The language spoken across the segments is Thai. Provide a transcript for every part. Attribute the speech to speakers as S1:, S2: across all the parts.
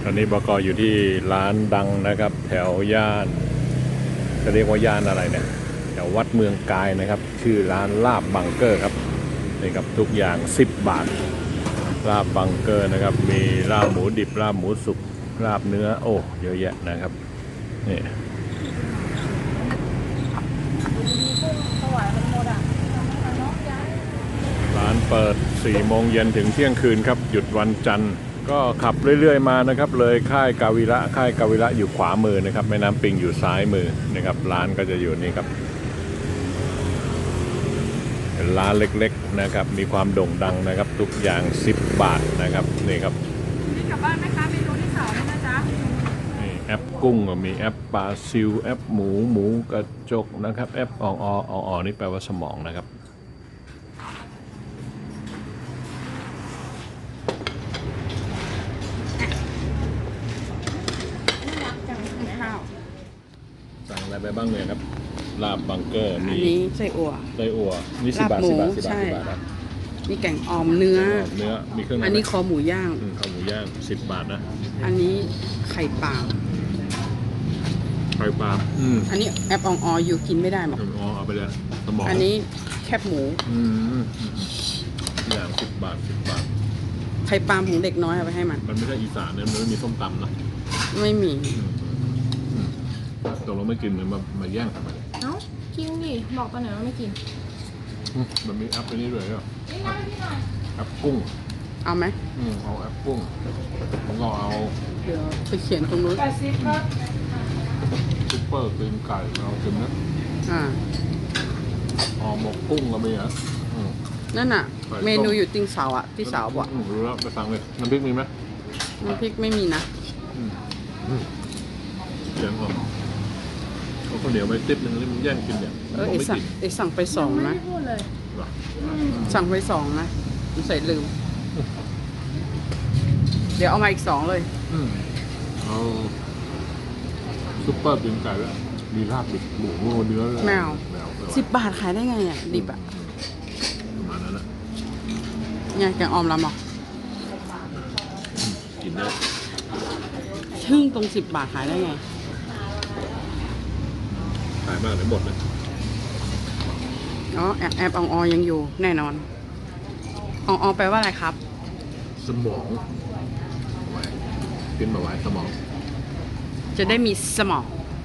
S1: อนนี้บก.อยู่ที่ร้านดังนะครับแถวย่านจะเรียกว่าย่านอะไรเนี่ยแถววัดเมืองกายนะครับชื่อร้านลาบบังเกอร์ครับนี่ครับทุกอย่าง10 บาทลาบบังเกอร์นะครับมีลาบหมูดิบลาบหมูสุกลาบเนื้อโอ้เยอะแยะนะครับนี่ร้านเปิด4 โมงเย็นถึงเที่ยงคืนครับหยุดวันจันทร์ก็ขับเรื่อยๆมานะครับเลยค่ายกาวิระอยู่ขวามือนะครับแม่น้ำปิงอยู่ซ้ายมือนะครับร้านก็จะอยู่นี่ครับเป็นร้านเล็กๆนะครับมีความโด่งดังนะครับทุกอย่าง10 บาทนะครับนี่ครับ
S2: นี่กลับบ้านไหมคะเมนูที่2นะจ๊ะ
S1: นี่แอปกุ้งมีแอปปลาซิวแอปหมูกระจกนะครับแอปออนี่แปลว่าสมองนะครับสั่งอะไรไปบ้างเนี่ยครับลาบบังเกอร์มี
S3: นี้ไส้อั่ว
S1: นี่10 บาทนะ
S3: นี่แกงอ่อมเนื้อ
S1: มีเครื่อง
S3: อันนี้คอหมูย่าง
S1: คอหมูย่าง10 บาทนะ
S3: อันนี้ไข่ปลา
S1: อั
S3: นนี้แอปออยู่กินไม่ได้หรอก
S1: เอาไปเลยสมอง
S3: อันนี้แคบหมู
S1: อย่าง10 บาท
S3: ไข่ปลาของเด็กน้อยเอาไปให้มัน
S1: ไม่ใช่อีสานเนี่ยมันไม่มีส้มตำนะ
S3: ไม่มี
S1: ตกลงไม่กินมันมาแย่งทำไม
S2: เอ้ากินดิบอกตอนไหนว่าไม่กิน
S1: มันมีแอปไปนี่ด้วยเหรอแอปกุ้ง
S3: เอาไหม
S1: เอาแอปกุ้งผมก็เอา
S3: เดี๋ยวไปเขียนตรงนู้น
S2: 80ครับ
S1: ซุปเปอร์ตีนไก่เราเต็มนะหมกกุ้งก็มีนะ
S3: นั่นน่ะเมนูอยู่ติงเสาอ่ะที่เสาบอก
S1: รู้แล้วไปสั่งเลยน้ำพริกมีไหม
S3: น้ำพริกไม่มีนะ
S1: เขียนก่อนเอาข้าวเหนียวไปติ๊บนึงแล้วมันแย่งกินเนี่ย
S3: สั่งไป2นะสั่งไป2นะผมใส่ลืมเดี๋ยวเอามาอีก2เลย
S1: เอาซุปเปอร์ตีนไก่แล้วมีลาบดิบหมูเนื้อ
S3: แมว10 บาทขายได้ไงอ่ะดิบอ่ะ
S1: ประมาณนั้นนะ
S3: เนี่ยแกงอ่อมลำหรอ
S1: กินได้
S3: ทึ่งตรง10 บาทขายได้ไง
S1: ขายมากเลยหมดเลย
S3: แอบยังอยู่แน่นอนแปลว่าอะไรครับ
S1: สมองกินมาไว้สมอง
S3: จะได้มีสมอง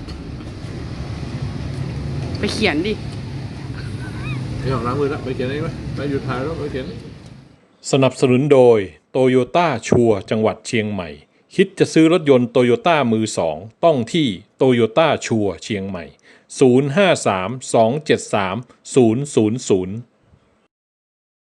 S3: ไปเขียนดิ
S1: ไม่ออกล้างมือแล้วไปเขียนได้ไหมไปหยุดถ่ายแล้วไปเขียนสนับสนุนโดยโตโยต้าชัวจังหวัดเชียงใหม่คิดจะซื้อรถยนต์โตโยต้ามือ2ต้องที่โตโยต้าชัวเชียงใหม่053 273 000